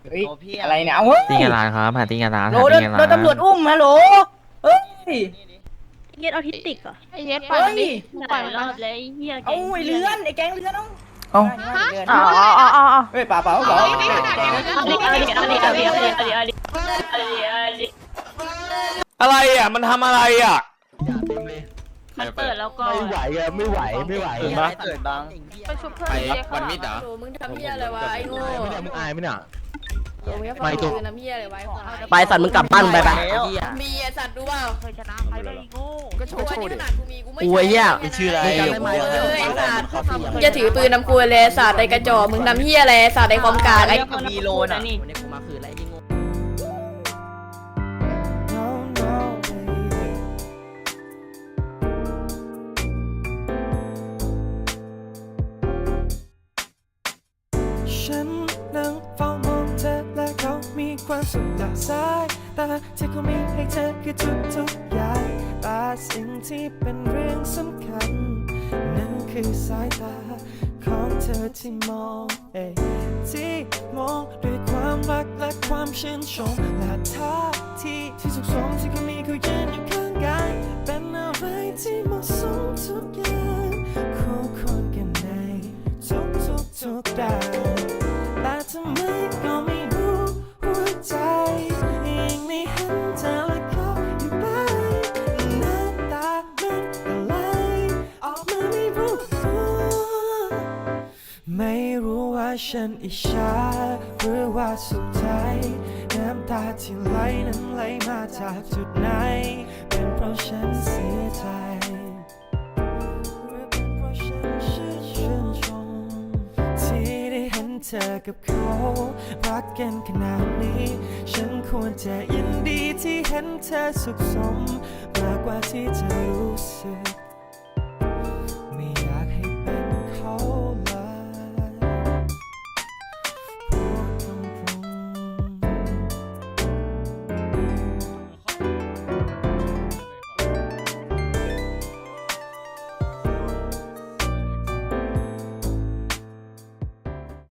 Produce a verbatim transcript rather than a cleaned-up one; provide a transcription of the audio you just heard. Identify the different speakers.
Speaker 1: เฮ้ยอะไรเนี่ยเอาเฮ้ย
Speaker 2: ตีกันร้านครับหาตีกันร้าน
Speaker 1: โหล
Speaker 2: หา
Speaker 1: โด
Speaker 2: ตี
Speaker 1: น
Speaker 2: กัน
Speaker 1: โด
Speaker 2: ร้าน
Speaker 1: นตำรวจอุ้มฮัลโหลเฮ้ย
Speaker 3: เย็ดออทิสติกเหรอ
Speaker 4: ไอ้เย็ดปล่อยมันดิปล่อยมัน
Speaker 3: ร
Speaker 4: ร
Speaker 3: อ
Speaker 4: อ
Speaker 3: ดเลยไอ้เฮีย
Speaker 1: เอาไอ้เลื่อนไอ้แก๊งเลื่อนต้อง
Speaker 2: เอ้า
Speaker 3: อ๋ออ๋ออ๋ออ๋อ
Speaker 1: เฮ้ยป่าเปล่าเปล่า
Speaker 3: เอาดิเอาดิเอาดิเอาดิเอาดิเอาดิเอาดิเอาดิเอาดิ
Speaker 5: อะไรอ่ะมันทำอะไรอ่ะ
Speaker 3: มันเปิดแล้วก็
Speaker 6: ไม่ไหวอะไม่ไหวไม่ไหว
Speaker 5: เห็นปะ
Speaker 1: เกิดบ้าง
Speaker 4: ไปชุบเพื่อน
Speaker 5: ไป
Speaker 4: ไอ้เย็ด
Speaker 5: วันมิดเหรอ
Speaker 7: โหมึงทำเพี้ยอะไรวะไอ้โง่
Speaker 6: ไม่ได้มึงอายไหมเนี่ย
Speaker 7: โหมึงจะฟั
Speaker 6: ไม่
Speaker 7: ง
Speaker 6: ตัว
Speaker 7: คือน้ำเพี้ยอะไรไว้ควาย
Speaker 8: ไปสัตว์มึงกลับบ้านไปไป
Speaker 7: มีไอ้สัตว์ดูเปล่า
Speaker 4: เคยชนะใครได้โง่
Speaker 7: ก็โชว์นี่ขนาดกูมีกูไม่
Speaker 8: กูไอ้เหี้ย
Speaker 7: ไม่ชื่ออะไร
Speaker 8: มึงจำได้ไหม
Speaker 7: เออไอ้สัตว์มึงจะถือปืนนำกูเลยสัตว์ไอ้กระจอกมึงทำเพี้ยอะไรสัตว์ไอ้ความกากไอ้
Speaker 1: มีโลน่ะ
Speaker 8: วันนี้กูมาคืนอะไรที่งง
Speaker 9: ฉันนั่งเฝ้ามองเธอและเขามีความสุขจากสายตาที่เขามีให้เธอคือทุกทุกๆอย่างแต่สิ่งที่เป็นเรื่องสำคัญนั่นคือสายตาของเธอที่มองเอยที่มองด้วยความรักและความชื่นชมและท่าทีที่สุขสมที่เขามีเขายืนอยู่ข้างกายเป็นอะไรที่เหมาะสมทุกอย่างคู่ควรกันในทุกทุกทุกๆด้านแต่ทำไมก็ไม่รู้หัวใจยังไม่เห็นเธอและเขาอยู่ไปน้ำตามันก็ไหลออกมาไม่รู้ตัวไม่รู้ว่าฉันอิจฉาหรือว่าสุขใจน้ำตาที่ไหลนั้นไหลมาจากจุดไหนเป็นเพราะฉันเสียใจหรือเป็นเพราะฉันชื่นชมที่ได้เห็นเธอกับเขารักกันขนาดนี้ฉันควรจะยินดีที่เห็นเธอสุขสมมากกว่าที่จะรู้